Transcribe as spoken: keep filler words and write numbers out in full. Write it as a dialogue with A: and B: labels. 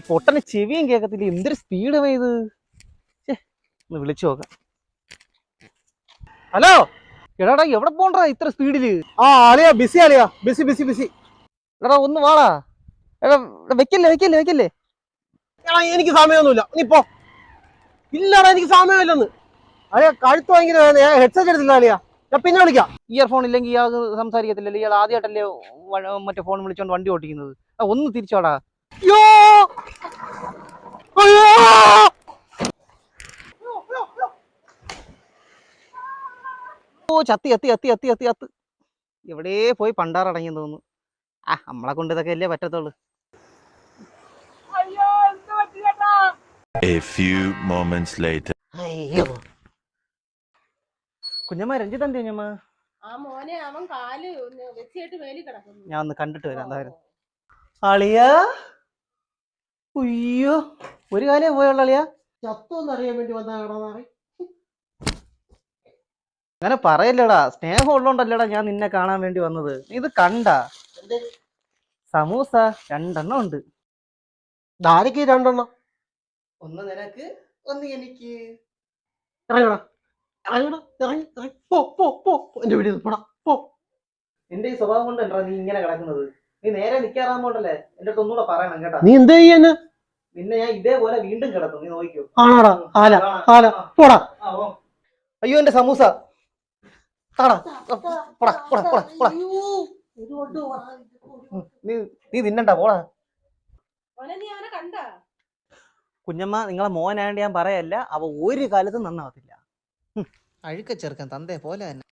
A: പൊട്ടന് ചെവിയും കേൾക്കത്തില്ല. എന്തൊരു സ്പീഡ് ഇത്. ഒന്ന് വിളിച്ചു നോക്കാം. ഹലോ എടാടാ, എവിടെ പോണ്ടാ ഇത്ര സ്പീഡില്?
B: ആ അളിയാ ബിസി അളിയാ ബിസി ബിസി ബിസി.
A: എടാ ഒന്ന് വാടാ. എടാ വെക്കല്ലേ വെക്കല്ലേ വെക്കല്ലേ.
B: എടാ എനിക്ക് സമയമൊന്നുമില്ല, നീ പോ. ഇല്ലടാ എനിക്ക് സമയമില്ലെന്ന്. അളിയാ കഴുത്ത് ഭയങ്കര ഹെഡ്സെറ്റ് എടുത്തില്ല അളിയാ, ഞാൻ പിന്നെ വിളിക്കാം.
A: ഇയർഫോൺ ഇല്ലെങ്കിൽ ഇയാൾ സംസാരിക്കത്തില്ലല്ലോ. ഇയാൾ ആദ്യമായിട്ടല്ലേ മറ്റേ ഫോൺ വിളിച്ചോണ്ട് വണ്ടി ഓടിക്കുന്നത്. ഒന്ന് തിരിച്ചോടാ.
B: അയ്യോ അയ്യോ
A: ഓ ചത്തി ചത്തി ചത്തി ചത്തി ചത്തി ചത്ത്. എവിടെ പോയി പണ്ടാറടങ്ങിയെന്ന് തോന്നുന്നു. ആ നമ്മളെ കൊണ്ട് ഇതൊക്കെ അല്ലേ പറ്റത്തുള്ളൂ.
C: A few moments later.
A: അയ്യോ കുഞ്ഞമ്മ, രഞ്ജിത്ത് എന്ത് കുഞ്ഞമ്മ?
D: ആ മോനെ അവൻ കാല് വെച്ചിട്ട് മേലി കിടക്കുന്നു.
A: ഞാൻ ഒന്ന് കണ്ടിട്ട് വരാം എന്തായാലും. അളിയാ ഉയ്യോ, ഒരു കാലേ പോയുള്ള അളിയാ.
B: ചത്തോന്ന് അറിയാൻ വേണ്ടി വന്നതാണോ?
A: അങ്ങനെ പറയല്ലടാ, സ്നേഹം ഉള്ളോണ്ടല്ലടാ ഞാൻ നിന്നെ കാണാൻ വേണ്ടി വന്നത്. നീ ഇത് കണ്ട സമൂസ രണ്ടെണ്ണം ഉണ്ട്.
B: ധാരക്ക് രണ്ടെണ്ണം.
A: ഒന്ന് നിനക്ക്, ഒന്ന് എനിക്ക്.
B: ഇറങ്ങടാ ഇറങ്ങടാ ഇറങ്ങി ഇറങ്ങി പോ പോ പോ എന്റെ വീട്ടിൽ പോടാ പോ.
A: നിന്റെ ഈ സ്വഭാവം കൊണ്ടല്ലോ നീ ഇങ്ങനെ കിടക്കുന്നത്. നീ നേരെ നിൽക്കാറാകുമ്പോണ്ടല്ലേ എന്റെ അടുത്ത് ഒന്നുകൂടെ പറയണം കേട്ടാ.
B: നീ എന്ത് ചെയ്യാന്?
A: നിന്നെ ഞാൻ ഇതേപോലെ വീണ്ടും കിടത്തും, നീ നോക്കിക്കോ.
B: ആണാടാ ആല ആല പോടാ.
A: അയ്യോ എന്റെ സമൂസ. താടാ പോടാ പോടാ പോടാ പോടാ. നീ നീ തിന്നണ്ട പോടാ.
D: മോനെ നീ അവനെ കണ്ടാ?
A: കുഞ്ഞമ്മ, നിങ്ങളെ മോനായോണ്ട് ഞാൻ പറയല്ല, അവ ഒരു കാലത്തും നന്നാവത്തില്ല. അഴുക്ക ചെറുക്കൻ തന്തേ പോലെ തന്നെ.